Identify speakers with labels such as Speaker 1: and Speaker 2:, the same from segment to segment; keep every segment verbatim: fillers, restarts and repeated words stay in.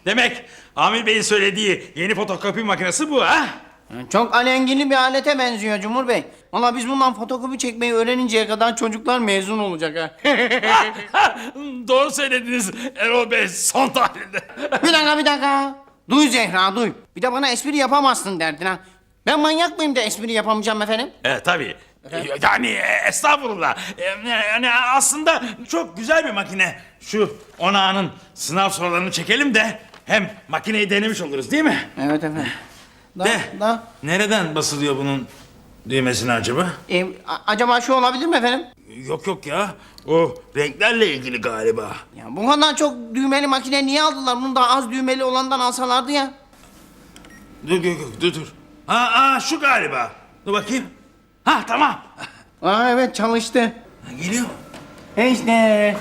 Speaker 1: Demek Amir Bey'in söylediği yeni fotokopi makinesi bu ha?
Speaker 2: Çok alengili bir alete benziyor Cumhur Bey. Valla biz bundan fotokopi çekmeyi öğreninceye kadar çocuklar mezun olacak ha.
Speaker 1: Doğru söylediniz Erol Bey son tahlilde.
Speaker 2: Bir dakika bir dakika. Duy Zehra duy. Bir de bana espri yapamazsın derdin ha. Ben manyak mıyım da espri yapamayacağım efendim?
Speaker 1: Evet tabii. Yani e, estağfurullah. E, Yani aslında çok güzel bir makine. Şu onağının sınav sorularını çekelim de hem makineyi denemiş oluruz değil mi?
Speaker 2: Evet efendim. Da,
Speaker 1: De.
Speaker 2: da.
Speaker 1: Nereden basılıyor bunun düğmesine acaba?
Speaker 2: E, a- acaba şu olabilir mi efendim?
Speaker 1: Yok yok ya. O renklerle ilgili galiba.
Speaker 2: Ya bu kadar çok düğmeli makine niye aldılar? Bunu daha az düğmeli olandan alsalardı ya.
Speaker 1: Dur dur dur dur. dur. Ha, ha şu galiba. Dur bakayım. Ha tamam.
Speaker 2: Aa evet çalıştı.
Speaker 1: Ha, geliyor.
Speaker 2: E işte.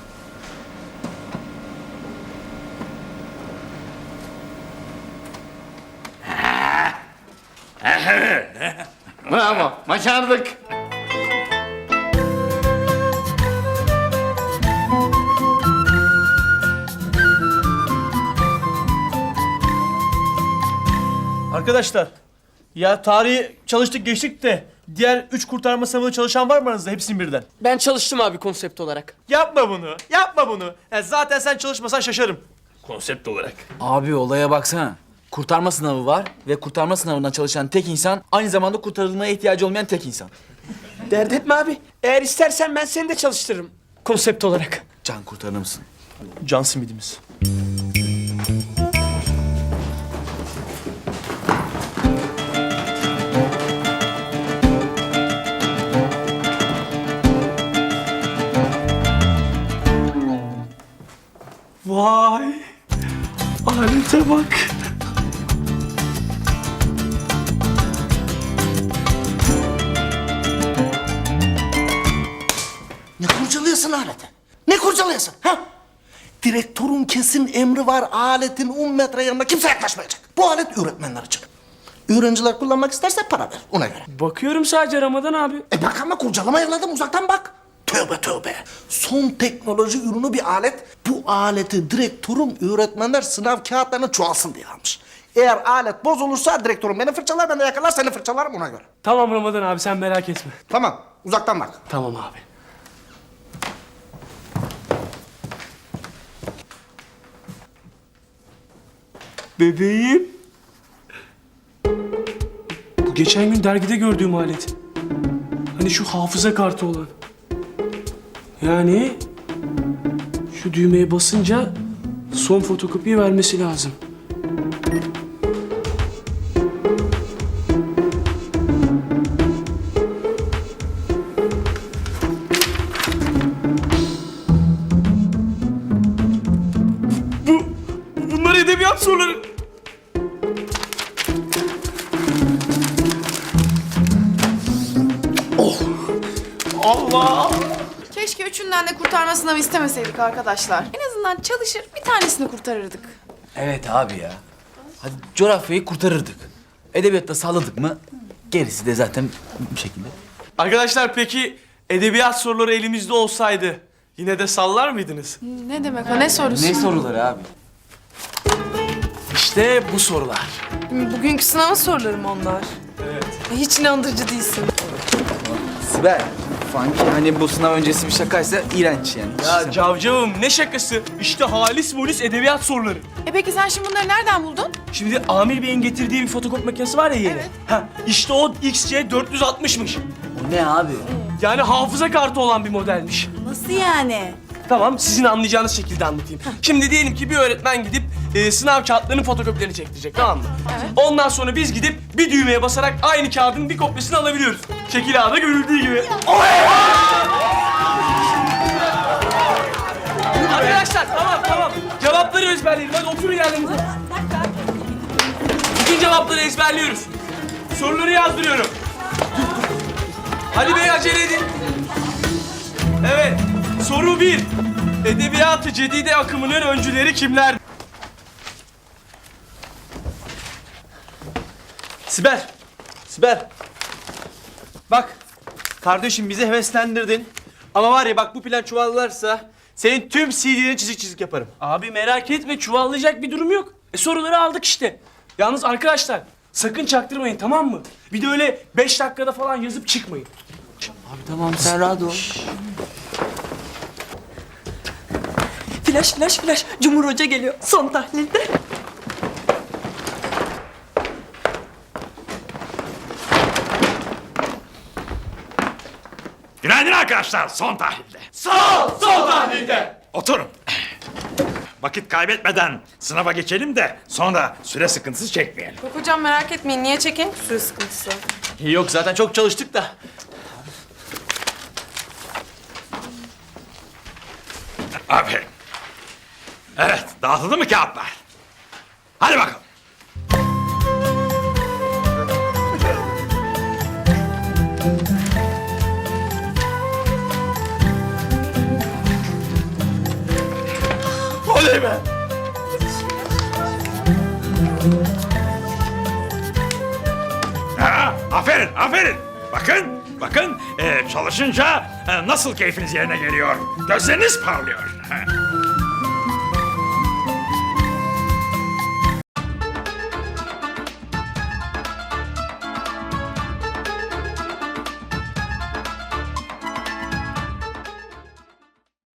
Speaker 2: Bravo, başardık.
Speaker 3: Arkadaşlar, ya tarihi çalıştık geçtik de diğer üç kurtarma sınavında çalışan var mı aranızda hepsini birden?
Speaker 4: Ben çalıştım abi konsept olarak.
Speaker 3: Yapma bunu, yapma bunu. Ya zaten sen çalışmasan şaşarım.
Speaker 1: Konsept olarak.
Speaker 5: Abi olaya baksana. Kurtarma sınavı var ve kurtarma sınavından çalışan tek insan aynı zamanda kurtarılmaya ihtiyacı olmayan tek insan.
Speaker 4: Dert etme abi. Eğer istersen ben seni de çalıştırırım. Konsept olarak.
Speaker 5: Can kurtarır mısın?
Speaker 3: Can simidimiz. Vay! Alete bak!
Speaker 6: Ne kurcalıyorsun aleti? Ne kurcalıyorsun? Ha? Direktörün kesin emri var, aletin on metre yanına kimse yaklaşmayacak. Bu alet öğretmenler için. Öğrenciler kullanmak isterse para ver, ona göre.
Speaker 4: Bakıyorum sadece Ramazan abi.
Speaker 6: E bak ama kurcalama evladım, uzaktan bak. Tövbe tövbe. Son teknoloji ürünü bir alet. Bu aleti direktörüm öğretmenler sınav kağıtlarını çoğalsın diye almış. Eğer alet bozulursa direktörüm beni fırçalar, ben de yakalar seni fırçalarım, ona göre.
Speaker 4: Tamam Ramazan abi sen merak etme.
Speaker 6: Tamam, uzaktan bak.
Speaker 4: Tamam abi. Bebeğim. Bu geçen gün dergide gördüğüm alet. Hani şu hafıza kartı olan. Yani şu düğmeye basınca son fotokopiyi vermesi lazım. Bu, bunlar edebiyat soruları. Allah!
Speaker 7: Keşke üçünden de kurtarma sınavı istemeseydik arkadaşlar. En azından çalışır bir tanesini kurtarırdık.
Speaker 5: Evet abi ya. Hadi coğrafyayı kurtarırdık. Edebiyatta salladık mı gerisi de zaten bu şekilde.
Speaker 3: Arkadaşlar peki edebiyat soruları elimizde olsaydı yine de sallar mıydınız?
Speaker 7: Ne demek o, ne sorusu?
Speaker 5: Ne soruları abi? İşte bu sorular.
Speaker 7: Bugünkü sınavın soruları mı onlar?
Speaker 3: Evet.
Speaker 7: Hiç inandırıcı değilsin.
Speaker 5: Sibel, sanki hani bu sınav öncesi bir şakaysa iğrenç yani.
Speaker 3: Ya cavcavım ne şakası? İşte halis volis edebiyat soruları.
Speaker 7: E peki sen şimdi bunları nereden buldun?
Speaker 3: Şimdi Amir Bey'in getirdiği bir fotokopi makinesi var ya yeni.
Speaker 7: Evet.
Speaker 3: Ha, işte o X C dört yüz altmışmış.
Speaker 5: O ne abi?
Speaker 3: Yani hafıza kartı olan bir modelmiş.
Speaker 7: Nasıl yani?
Speaker 3: Tamam, sizin anlayacağınız şekilde anlatayım. Şimdi diyelim ki bir öğretmen gidip e, sınav kağıtlarının fotokopilerini çektirecek, tamam mı?
Speaker 7: Evet.
Speaker 3: Ondan sonra biz gidip bir düğmeye basarak aynı kağıdın bir kopyasını alabiliyoruz. Şekil A'da görüldüğü gibi. Arkadaşlar tamam tamam. Cevapları ezberleyelim. Hadi oturun yerlerinize. Bütün cevapları ezberliyoruz. Soruları yazdırıyorum. Hadi bey acele edin. Evet. Soru bir. Edebiyat-ı cedide akımının öncüleri kimler?
Speaker 8: Sibel, Sibel. Bak, kardeşim bizi heveslendirdin. Ama var ya bak bu plan çuvallarsa
Speaker 3: senin tüm C D'lerini çizik çizik yaparım.
Speaker 4: Abi merak etme çuvallayacak bir durum yok. E soruları aldık işte. Yalnız arkadaşlar sakın çaktırmayın tamam mı? Bir de öyle beş dakikada falan yazıp çıkmayın.
Speaker 5: Tamam sen rahat ol.
Speaker 9: Flash flash flash. Cumhur Hoca geliyor. Son tahlilde.
Speaker 1: Günaydın arkadaşlar. Son tahlilde.
Speaker 3: Sağ ol, son tahlilde.
Speaker 1: Oturun. Vakit kaybetmeden sınava geçelim de sonra süre sıkıntısı çekmeyelim.
Speaker 7: Yok hocam merak etmeyin. Niye çekeyim? Suyu sıkıntısı.
Speaker 3: Yok zaten çok çalıştık da.
Speaker 1: Aferin. Evet, dağıtıldı mı kağıtlar? Hadi bakalım. Oley be! Ha, aferin, aferin. Bakın, bakın e, çalışınca e, nasıl keyfiniz yerine geliyor. Gözleriniz parlıyor. Ha.